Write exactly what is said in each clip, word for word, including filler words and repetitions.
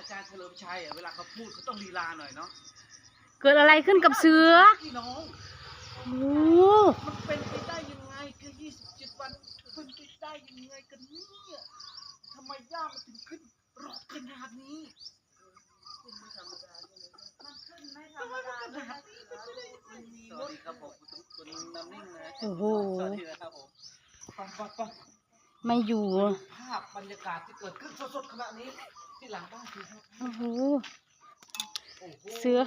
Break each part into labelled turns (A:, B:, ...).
A: จารย์เฉลิมชัยอ่ะเวลาเขาพูดเขาต้องลีลาหน่อยเนาะ
B: เกิดอะไรขึ้นกับเสือ
A: พี่น้อง
B: โอ้
A: มันเป็นไปได้ยังไงแค่ยี่สิบเจ็ดวันเป็นไปได้ยังไงกันเนี่ยทำไมย่ามันถึงขึ้นรอบขนาดนี้ขึ้นไม่ธรรมดาเลยมันขึ้นไม่ธรรมดาเลยมันมีรถครับผมคุณน้ำนิ่งนะ
B: โอ้โห
A: สวัสดีนะครับผมปังปังปัง
B: ไม่อยู่
A: ภาพบรรยากาศที่เกิดขึ้นสดๆขณะนี้ที่หลังบ้านคือครับ
B: โอ้โห
A: โอ้โห
B: เสือ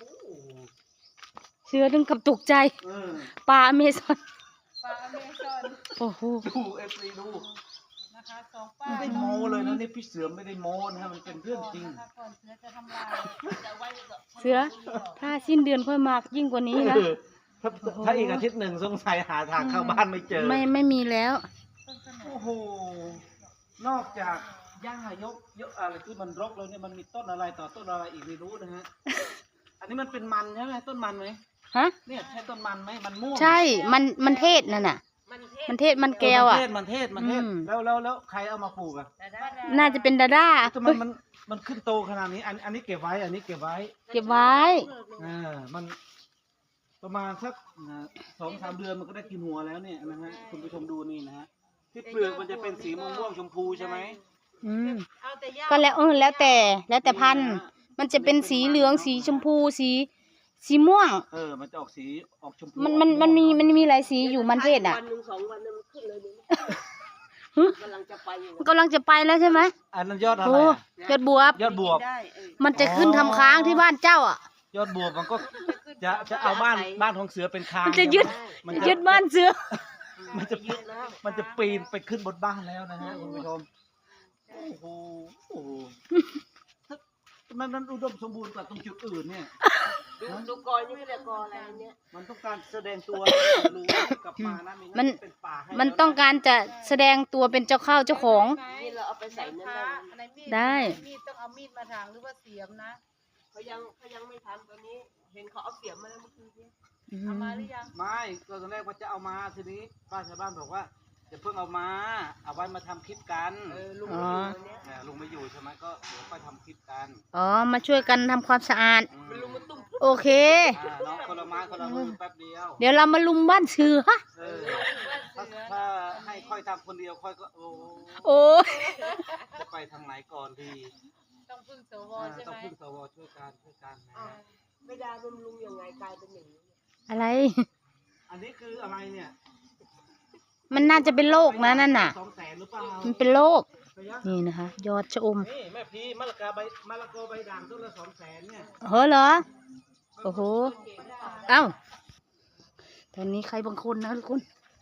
B: เสือถึงกับตกใจ
A: เออ
B: ปลาอเมซอน
C: ปลาอเมซอน
B: โอ้โห
A: ดูเอฟซีดู
C: นะคะสองป้า
A: ไม่ได้โม้เลยนะนี่พี่เสือไม่ได้โม้นะฮะมันเป็นเรื่องจริง
C: นะคะก่อนเสือจะทำลายจะไว้ก่อน
B: เสือ ถ้าสิ้นเดือนค่อยมากยิ่งกว่านี้นะ
A: เออถ้าถ้าอีกอาทิตย์หนึ่งสงสัยหาทางเข้าบ้านไม่เจอ
B: ไม่ไม่มีแล้ว
C: ต้นเสนอ
A: โอ้โห นอกจากหญ้ายกยกอะไรที่มันรกแล้วเนี่ยมันมีต้นอะไรต่อต้นอะไรอีกไม่รู้นะฮะ อันนี้มันเป็นมันใช่ไหมต้นมันไหม
B: ฮะ
A: เนี่ยใช่ต้นมันไหมมันม่วง
B: ใช่ มัน มันเทศนั่นน่ะ มันเทศ มันแก้วอ่ะ
A: เออมันเทศมันเทศ
B: อืม
A: แล้วแล้วแล้วใครเอามาปลูกอ่ะ
B: น่าจะเป็นดาด้า
A: ทำไมมันมันขึ้นโตขนาดนี้ อันอันนี้เก็บไว้ อันนี้เก็บไว้
B: เก็บไว้
A: อ่ามันประมาณสักอ่าสองสามเดือนมันก็ได้กินหัวแล้วเนี่ยนะฮะคุณผู้ชมดูนี่นะฮะที่เปลือกมันจะเป็นสีม่วงม่วงๆชมพูใช่ไหม
B: อืม
C: เอาแต่ย่า
B: ก็แล้วเออแล้วแต่ แล้วแต่พันธุ์ มันจะเป็นสีเหลือง สีชมพู สี สีม่วง
A: เออมันจะออกสีออกชมพู
B: มัน มัน มันมี มันมีหลายสีอยู่มันเทศอ่ะ
D: วันหนึ่งสองวันนั้นมันขึ้นเลยเนี่ย
B: หึ
D: กำลังจะไปอยู่
B: มันกำลังจะไปแล้วใช่ไหม
A: อันนั้นยอดอะไร
B: โอ้
A: อะ
B: ยอดบวบ
A: ยอดบวบ
D: ได้เออ
B: มันจะขึ้นทำค้างที่บ้านเจ้าอ่ะ
A: ยอดบวบมันก็จะจะเอาบ้านบ้านของเสือเป็นคาง
B: มันจะยึด
A: มัน
B: ยึ
A: จะ
B: ดบ้านเสือ
A: มันจะ
D: เยอะแล้ว
A: มันจะปีนไปขึ้นบนบ้านแล้วนะฮะคุณผู้ชมโอ้โหโอ้โหทำไมมันอุดมสมบูรณ์กว่าตรงจุดอื่นเนี่ย
D: ดูดูกอยนี่ไม่ได้กออะไรเนี่ย
A: มันต้องการแสดงตัวรู้กลับมานะไงั้
B: มัน
A: เป็นป่าให้
B: มัน
A: แล้วะ
B: ต้องการจะแสดงตัวเป็นเจ้าข้าวเจ้าของ
D: นี่เราเอาไปใส่นั่น
C: พระ
D: ได้
C: อะไรมีด
B: ได้
C: มีดต้องเอามีดมาถางหรือว่าเสียมนะ
D: เขายังเขายังไม่ทำตอนนี้ เห็นเขาเอาเสียมมาแล้วเมื่อคืนนี้
C: เอามาหรือยัง
A: ไม่ก็ตอนแรกว่าจะเอามาทีนี้ป้าชาวบ้านบอกว่าจะเพิ่งเอามาเอาไว้มาทำคลิปกัน
D: เออลุง
B: อ๋อ
D: มาอยู่วันเนี้ย
A: เออลุงไม่อยู่ใช่ไหมก็เดี๋ยวค่อยทำคลิปกัน
B: อ๋อ มาช่วยกันทำความสะอาด
A: อืม
D: มันลุงมาตุ้ม
B: โอเค
A: อ่าน้องคนละไม้คนละมือแป๊บเดียว
B: เดี๋ยวเรามาลุมบ้านเสือ
A: เออถ้าถ้าให้ค่อยทำคนเดียวค่อยก็โอ้
B: โอ้ย
A: จะไปทางไหนก่อนดี
C: ต้องพึ่งสว
A: อ่า
C: ใช่
A: ต้อง
C: ไหม
A: พึ่งสวช่วยกันช่วยกันนะ
D: อ้าวไม่ได้บำรุงยังไงกลายเป็นอย่างนี้
B: อะไร
A: อันนี้คืออะไรเนี่ย
B: มันน่าจะเป็นโรคนะนั่นน่ะ
A: สองแสนหรือเปล่า
B: มันเป็นโรค
A: ไปยัง
B: นี่นะคะ ยอดชะอม
A: นี่แม่พีมะละกาใบมะละกอใบด่างต้นละสองแสนเนี่ย
B: เฮ้อเหรอ โอ้โห เอ้า ตอนนี้ใครบางคนนะทุกคน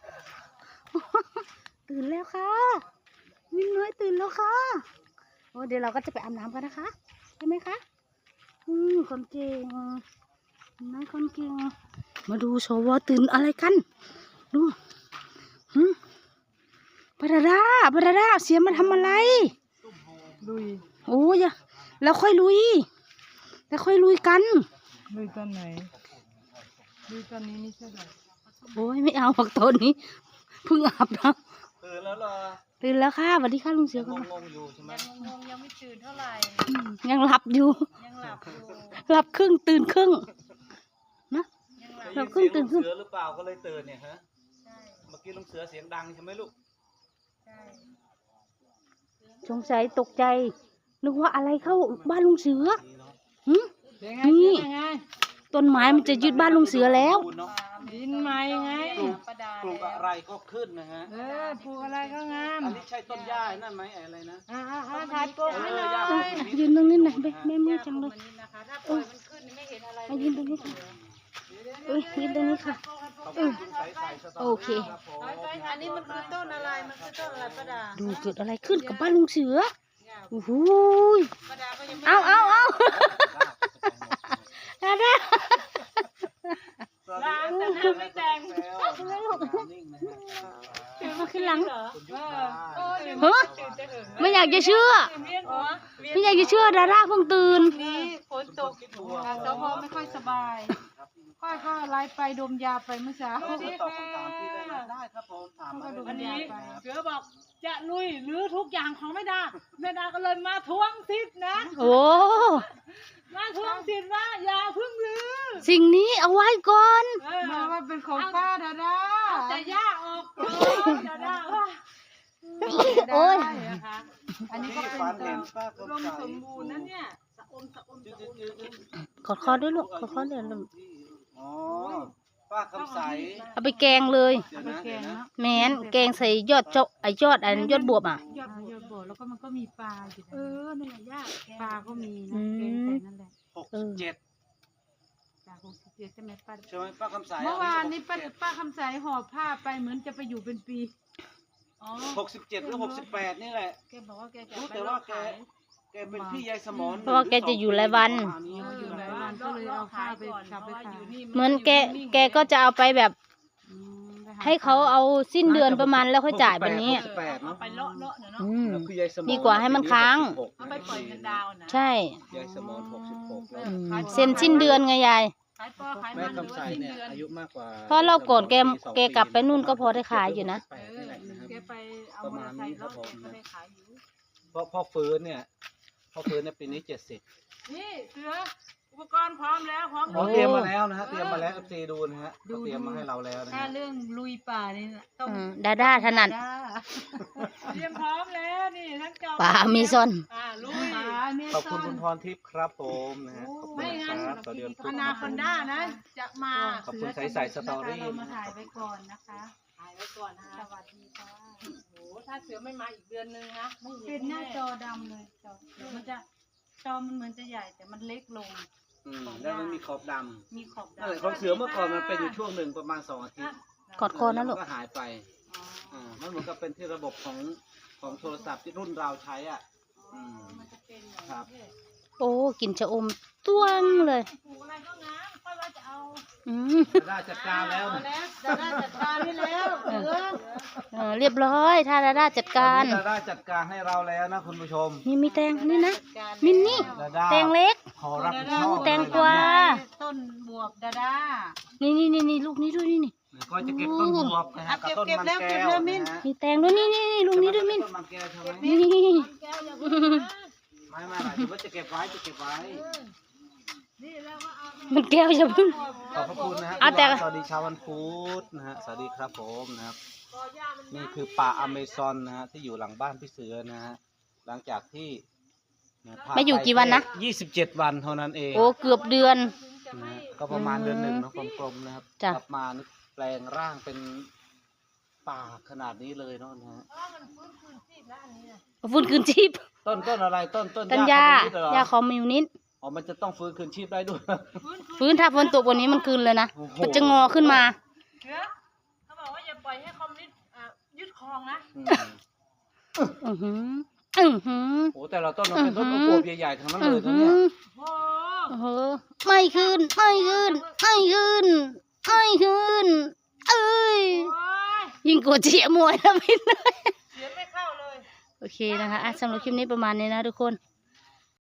B: ตื่นแล้วค่ะวิ่งน้อยตื่นแล้วค่ะโอ้เดี๋ยวเราก็จะไปอาบน้ำกันนะคะใช่ไหมคะอืมคนเก่งน้อยคนเก่งมาดูสวตื่นอะไรกัน ดูหืมปราดาปราดาเสียมาทำอะไร
C: ลุย
B: โอ้ยอะแล้วค่อยลุย แล้วค่อยลุยกัน
C: ลุยตอนไหนลุยตอนนี้ไม่ใช่หรอ
B: โอ้ยไม่เอาหรอกตอนนี้เพิ่งอาบน้
A: ตื่นแล้วเหรอ
B: ำตื่นแล้วค่ะสวัสดีค่ะลุงเสือ
A: ยัง
B: กัน
A: งงๆอยู่ใช่ไหม
C: ยังงงๆยังไม่ตื่นเท่าไหร่
B: อืมยังหลับอยู่
C: ยังหลับอยู่
B: หลับครึ่งตื่นครึ่งนะ
C: ยังหลับ
B: เรา
A: ได้
B: เพิ่ง
A: ยิน
B: ตื่
A: เสีย
B: น
A: งลุงเสือหรือเปล่าก็เลยตื่นเนี่ยฮะ
C: ใช่
A: เมื่อกี้ลุงเสือเสียงดังใช่ไหมลูก
C: ใช่
B: สงสัยตกใจนึกว่าอะไรเข้าบ้านลุงเสือ
A: นี่เนาะ
B: หึ
C: เป็นไง
B: นี่
C: เป็นไง
B: ต้นไม้มันจะยึดบ้านลุงเสือแล้ว
A: เนาะ
C: ดินไม้ไง ประดา
A: ปลูกอะไรก็ขึ้นนะฮะ
C: เออปลูกอะไรก็งาม
A: อันนี้ใช่ต้นหญ้านั่นไหมอะไรนะ
C: อ่าอ่าอ่าถ่ายโปกให้หน่อย
A: เออ
B: ยืนตรงนี้หน่อยแม่แม่มือจังเลย
C: นะคะถ้าปล่อยมันขึ้นไม่เห็นอะไร
B: มายืนตรงนี้ค่ะเอ้ยยืนตรงนี้ค่ะ
A: ขอบคุณคุณสายสายสตอ
B: โอเค
A: ครับผม
C: อันนี้มันคือต้นอะไร มันคือต้นอะไรประดา
B: ดูเกิดอะไรขึ้นกับบ้านลุงเสือโอ้โหย
C: ประดาก็ยังไม่
B: เอาเอาเอาดาดา
C: ล้างแต่หน้าไม่แต่ง
A: นิ่งนะฮะ
B: เดินมาขึ้นหลัง
C: เหรอ
A: คุณยุ
C: เอ
A: พา
C: อ
B: เฮ้ย
C: ตื่นจะหึง
B: ไม่อยากจะเชื่อ
C: เวียนหัว
B: ไม่อยากจะเชื่อดาราเพิ่งตื่น
C: นี้ฝนตกสพไม่ค่อยสบาย
A: ครับพี่
C: ป้าก็ไลฟ์ไปดมยาไปเมื่อเช้า
A: เราจะตอบคำถามพี่ได้ไหมได้ครับผมถามมาเลย
C: อันนี้
A: ครับ
B: เสือบอกจะลุยหรือทุกอย่างของแม่ดาแม่ดาก็เลยมาทวงสิทธิ์นะ
E: โอ้
B: มาทวงสิทธิ์ว่าอย่าเพึ่งลือ
E: สิ่งนี้เอาไว้ก่อน
B: เออ
C: มาว่าเป็นของป้าดาดา
B: เอาแต่ย่าออกก่อนดาดาว่า
E: โอ้ย
C: ได้นะคะ อันนี้ก็
A: ที่
C: เป็น
A: ฝัน
C: ตั
A: เห็
C: วน
A: ป้า
B: อุ
A: ก็
B: ดม
A: ใส่
B: สมบูรณ์นะเนี่ยสะอมสะอมสะอม
E: กดคอด้วยลูกกดคอเดี๋ยวลูก
A: อ๋อป้าคำใส
E: เอาไปแกงเลย
A: เดี๋ยว
C: ไป
A: นะ
C: แกงเนาะ
E: แมนแกงใส่ยอดเจาะไอยอดอันยอดบวบอ่ะ
C: ยอดบัวยอดบัวแล้วก็มันก็มีปลาอยู่
B: เอ
C: นะ
B: อนั่นแหละย่าแก
C: ปลาก็มี
E: อื
C: นะ
E: ม
C: แกงใส่นั่นแหละ
A: หกสิบเจ็ด
C: ปลาหกสิบเจ็ดใช่ไหมป้า
A: ใช่ไหมป้าคำใส
C: เมื่อวานนี้ป้าป้าคำใสห่อผ้าไปเหมือนจะไปอยู่เป็นปี
B: อ๋อ
A: หกสิบเจ็ดหรือหกสิบแปดนี่แหละ
B: แกบอกว่าแกจะ
A: รู้
B: ไป
A: แต่
B: รอ
A: ว่า
B: บ
A: แก
B: ขาย
A: แกเป็นพี่ยายสมร
E: เพราะว่าแกจะอยู่หลายวัน
A: ประมาณนี้
B: เออ
A: อยู่ห
B: แบ
A: ลาย
B: บ
A: วั
B: ว่าน
C: ก็เลยเอาข้าวไปกลับไปขาย
E: เหมือนแกแกก็จะเอาไปแบบ
C: อืมไป
E: ให้เขาเอาสิ้นเดือนประมาณแล้วค่อยจ่ายแบบนี้
A: หกสิบแปด
B: เอา
A: เนาะ
B: ไปเลาะเลาะเนาะ
E: อืม
A: แล้วพี่ยายสมร
E: ดีกว่าให้มันค้าง
B: เอาไปปล่อยเงินดาวนะ
E: ใช่
A: ยายสมรหกสิบหกแล้ว
E: อืมเซ็นสิ้นเดือนไงยาย
B: ขายปอขาย
A: แม่
B: มันหรือ
A: คำใส
B: ว่าสิ้น
A: เนี่ย
B: เดือน
A: อายุมากกว่า
E: เพราะเราก่อนแกแกกลับไปนู่นก็พอได้ขายอยู่นะ
A: แปดนี่แหละนะครับ
B: แกไปเอามอเตอร์ไซค์เลาะแกก็ได้ขายอยู่
A: เพราะพ่อฟื้นเนี่ยพ่อฟื้นในยปีนี้เจ็ดสิบ
B: นี่เสืออุปกรณ์พร้อมแล้วพร้อม
A: เรา
B: ลุย
A: เตรียมมาแล้วนะฮะเตรียมมาแล้วเอฟซีดูนะฮะเขาเตรียมมาให้เราแล้วนะ
C: ถ้า
A: ฮะ
C: เรื่องลุยป่านี่น่ะต้อง
E: อืมดาด้าถนัด
C: ดา
B: เตรียมพร้อมแล้วนี่ทั้งจอ
E: ป่าอเมซอน
B: อ่าลุย
C: ป่าเม
A: ขอบคุณ
C: ซ
A: คุ
C: น
A: ณพรทิพย์ครับผมนะฮะขอบคุณ
B: ไม่
A: นะ
B: งั้น
A: ครับต่อเดือน
B: อนาคอนด้านะ จะมา
A: ขอบคุณใส่ใส่สตอรี่
C: เรามาถ่ายไว้ก่อนนะคะ
B: ถ่ายไว้ก่อนนะ
C: ส
B: คะ
C: วัสดีค่ะ
B: โอ้โหถ้าเสือไม่มาอีกเดือนนึงนะไม่
C: เป็
B: เห็
C: น
B: น
C: หน้า
B: แน่
C: จอดำเลยจอมันจะจอมันเหมือนจะใหญ่แต่มันเล็กลง
A: อืมแล้วมันมีขอบด
C: มีขอบ
A: ำนั่นแหละ
C: ดำ
A: ของเสือเมื่อก่อนมันเป็นอยู่ช่วงหนึ่งประมาณสองอาทิตย์
E: กอดคอนะลูก
A: แล้วก็หายไป
C: อ๋อ
A: อ่ามันเหมือนกับเป็นที่ระบบของของโทรศัพท์ที่รุ่นเราใช้อ่ะอืม
C: มันจะเป็นอย่าง
A: ครับ
C: นี้
E: โอ้กลินชะอมต้วงเลย
B: ปลูกอะไรก็งามค่อยว่าจะเอา
E: อืม
A: ได้จัดการแล้ว
B: เอา
A: นะ
B: แล้วจะได้จัดการนี่แล้วเสือ
E: เออเรียบร้อยถ้าดาด้าจัดการ
A: ตอนนี้ดาด้าจัดการให้เราแล้วนะคุณผู้ชม
E: นี่มีแตงนี่นะ
B: จัดการ
E: มินนี่
A: ดาด้า
E: แตงเล็ก
A: ขอรับผิดชอบ
E: แตงกวา
C: ต้นบวบดาดา
E: นี่นี่นี่นี่ลูกนี้ด้วยนี่นี่
A: ก็จะเก็บต้นบวบนะฮะกับต้นมันแก้วนะฮะ
E: มีแตงด้วยนี่นี่นี่ลูกนี้ด้วยมิน
A: ต้นมันแก้วใช่ไหม
E: นี่
B: แก้วอย่าเพิ่งนะ
A: ไม่ไม่ไม่ถือว่าจะเก็บไว้จะเก็บไว้
B: นี่แล้วก็เอา
E: มันแก้วจะพึ่ง
A: ขอบพระคุณนะฮะ
E: อ่ะแต่
A: สวัสดีชาววันพุธนะฮะสวัสดีครับผมนะครับ
B: กอหญ้ามัน
A: นี่คือป่าอเมซอนนะฮะที่อยู่หลังบ้านพี่เสือนะฮะหลังจากที่นะพ
E: มาอยู่กี่วันนะ
A: ยี่สิบเจ็ดวันเท่านั้นเอง
E: โอ้เกือบเดือน
A: นะฮะก็ประมาณเดือนหนึ่งเนอะกลมๆนะครับ
E: จ้ะ
A: กลับมานี่แปลงร่างเป็นป่าขนาดนี้เลยเนาะนะฮะ
B: เพราะว่ามันฟื้นคืนชีพแล้วอันนี้นะ
E: ฟื้นคืนชีพ
A: ต้นต้นอะไรต้นต้น
E: ต้น
A: ห
E: ยา
A: ญ้คอมมิวนิสต์เหรอย
E: าคอมมิวนิสต์
A: อ๋อมันจะต้องฟื้นคืนชีพได้ด้วย
B: ฟื้นคืน
E: ฟื้นถ้าฝนตกวันนี้มันคืนเลยนะ
A: โอ้โห
E: มันจะงอขึ้นมา
B: เสือเขาบอกว่าอย่าปล่อยให้คอมมิวนิสต์อ่ะยึดครองนะ
A: อืม
E: อือหืออือหือ
A: โอ้แต่ละต้นมันเป็นต้น
E: อื้
A: โอ
E: อหือ
A: โบใหญ่ๆทั้งนั้น
E: อื
A: เล
E: อย
A: นะ
E: หื
A: เนี่ย
E: อ
B: โอ้
E: โอ้โหไม่ขึ้นไม่ขึ้นไม่ขึ้นไม่ขึ้น เอ้ย
B: โอ้ย
E: ยิงกดเจียมวยแล้วไม่ได้
B: เสือไม่เข้าเลย
E: โอเคนะคะอ่ะสำหรับคลิปนี้ประมาณนี้นะทุกคน